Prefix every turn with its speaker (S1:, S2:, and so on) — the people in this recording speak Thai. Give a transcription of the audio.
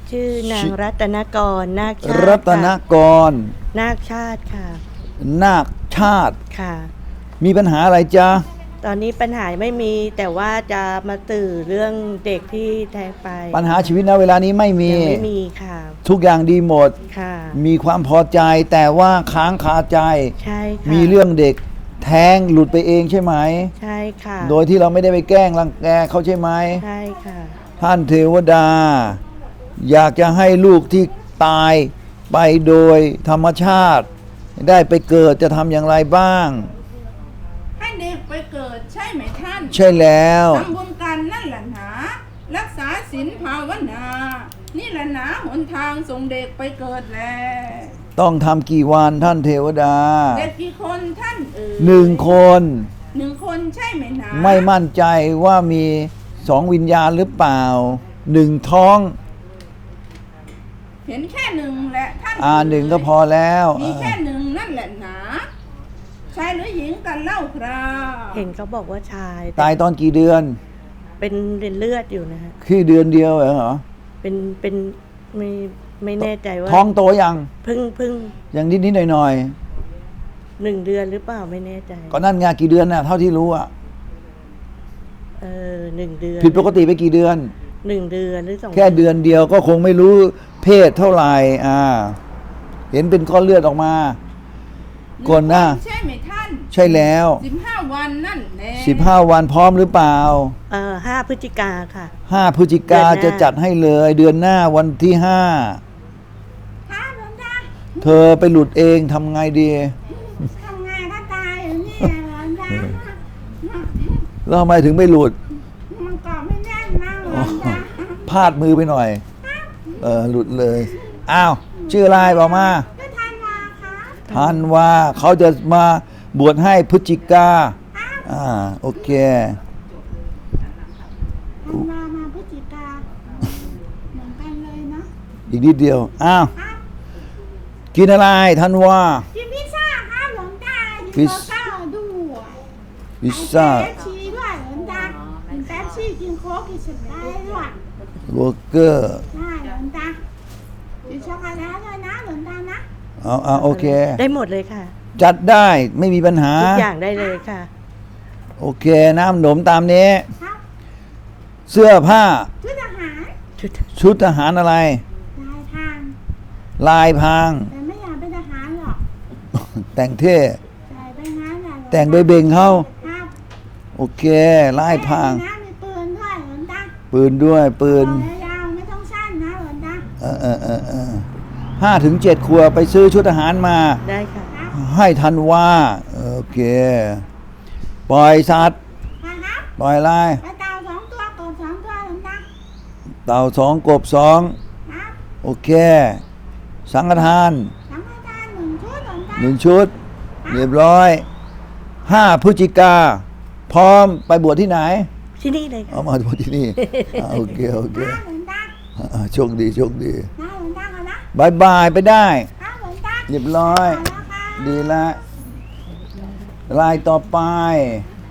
S1: ชื่อนางรัตนกรนาคชาติ
S2: รัตนกร
S1: นาคชาติค่ะ
S2: นาคชาติ
S1: ค่ะ
S2: มีปัญหาอะไรจ๊ะ
S1: ตอนนี้ปัญหาไม่มีแต่ว่าจะมาตื่นเรื่องเด็กที่แท้งไป
S2: ปัญหาชีวิตณเวลานี้ไม่มี
S1: ยังไม่มีค่ะ
S2: ทุกอย่างดีหมด
S1: ค่ะ
S2: มีความพอใจแต่ว่าค้างคาใจ
S1: ใช่ค่ะ
S2: มีเรื่องเด็กแท้งหลุดไปเองใช่ไหม
S1: ใช่ค่ะ
S2: โดยที่เราไม่ได้ไปแกล้งรังแกเขาใช่ไหม
S1: ใช่ค่ะ
S2: ท่านเทวดา อยากจะให้ลูกที่ตายไปโดยธรรมชาติ ได้ไปเกิดจะทำอย่างไรบ้าง
S3: ให้เด็กไปเกิดใช่ไหมท่าน
S2: ใช่แล้ว
S3: ทำบุญกันนั่นแหละหนารักษาศีลภาวนา นี่แหละหนาหนทางส่งเด็กไปเกิดแล
S2: ต้องทำกี่วันท่านเทวดา
S3: เด็กกี่คนท่าน
S2: หนึ่งคน
S3: หนึ่งคนใช่ไหมหนา
S2: ไม่มั่นใจว่ามีสองวิญญาณหรือเปล่าหนึ่งท้อง
S3: เห็นแค่หนึ่งแหละท่าน
S2: หนึ่งก็พอแล้ว
S3: มีแค่หนึ่งนั่นแหละหนาชายหรือหญิงกันเล่าครา
S1: เห็นเขาบอกว่าชาย
S2: ตายตอนกี่เดือน
S1: เป็นเลือดอยู่นะฮะ
S2: คือเดือนเดียวเหรอ
S1: เป็นไม่แน่ใจว่า
S2: ท้องโตยัง
S1: เพิ่ง
S2: อย่างนิดๆหน่อย
S1: 1 เดือนหรือเปล่าไม่แน่ใจ
S2: ๆก็นั่นไงกี่เดือนน่ะเท่าที่รู้อ่ะ
S1: 1 เดือน
S2: ผิดปกติไปกี่เดือน
S1: 1 เดือนหรือ2
S2: แค่เดือนเดียวก็คงไม่รู้เพศเท่าไหร่เห็นเป็นก้อนเลือดออกมาก่อนหน้า
S3: ใช่ไหมท่าน
S2: ใช่แล้ว
S3: 15 วันนั่นแหละ
S2: 15 วันพร้อมหรือเปล่า
S1: 5 พฤศจิกาค่ะ
S2: 5 พฤศจิกา
S1: เดือนหน้า
S2: จะจัดให้เลยเดือนหน้าวันที่
S3: ท้าหลวงตา
S2: 5 เธอไปหลุดเองทำไงดี
S3: ทำไงถ้าตายอยู่นี่หลวงตา
S2: แล้วทำไมถึงไม่หลุด
S3: มันเกาะไม่แน่นนะหลวงตา
S2: พลาดมือไปหน่อย หลุดเลย อ้าว ชื่ออะไรบอกมา
S3: ก็ทันมาคะ
S2: ทันว่าเขาจะมาบวชให้พฤศจิกา โอเค
S3: ทันมาพฤศจิกาเหมือนกันเลยเนาะ
S2: อีกนิดเดียว อ้าว กินอะไรทันว่า
S3: กินพิซซ่าค่ะหลวงตา
S2: พิซ
S3: ซ่าด้วย
S2: พิซซ่า
S3: เป๊ปซี่ด้วยหลวงตากินเป๊ปซี่กินโค้กกินสไปร์ด้วย
S2: เบอร์เกอร์
S3: ได้หลวงตากินช็อกโกแลตด้วยนะหลวงตานะ
S2: เอาโอเค
S1: ได้หมดเลยค่ะ
S2: จัดได้ไม่มีปัญหา
S1: ทุกอย่างได้เลยค่ะ
S2: โอเค น้ำหนมตามนี้
S3: ครับ
S2: เสื้อผ้า
S3: ชุดอาหาร
S2: ชุดทหารอะไร
S3: ลายทาง
S2: ลายพราง
S3: แต่ไม่อยากเป็นทหารหรอก
S2: แต่งเท่
S3: ใส่ไปงั้นแหละหลวงตา
S2: แต่งไปเบ่งเขา
S3: ครับ
S2: โอเค ลายพราง
S3: นะมีปืนด้วยหลวงตา
S2: ปืนด้วยปืน
S3: ยาวๆไม่ต้องสั้นนะหลวงตา
S2: 5 ถึง 7 ครัวไปซื้อชุดทหารมา
S1: ได้ค่ะ
S3: ครับ
S2: ให้ทันว่า โอเค ปล่อยสัตว์
S3: ครับ
S2: ปล่อยลาย
S3: ไปเต่า2 ตัวกบ2 ตัวหลวงตา
S2: เต่า2 กบ
S3: ครับ
S2: 2 โอเค สังฆทาน
S3: สังฆทาน1 ชุดหลวงตา
S2: 1 ชุด เรียบร้อย 5 พฤศจิกา พร้อมไปบวชที่ไหน
S1: ที่นี่เลยค่ะ
S2: เอามาบวชที่นี่ โอเค โอเค
S3: ครับหลวงตา
S2: โชคดีโชคดี
S3: นะหลวงตากันนะ
S2: บายบายไปได้
S3: ครับหลวงตา
S2: เรียบร้อย
S3: ไปแล้วครับ
S2: ดีละลายต่อไป
S3: ค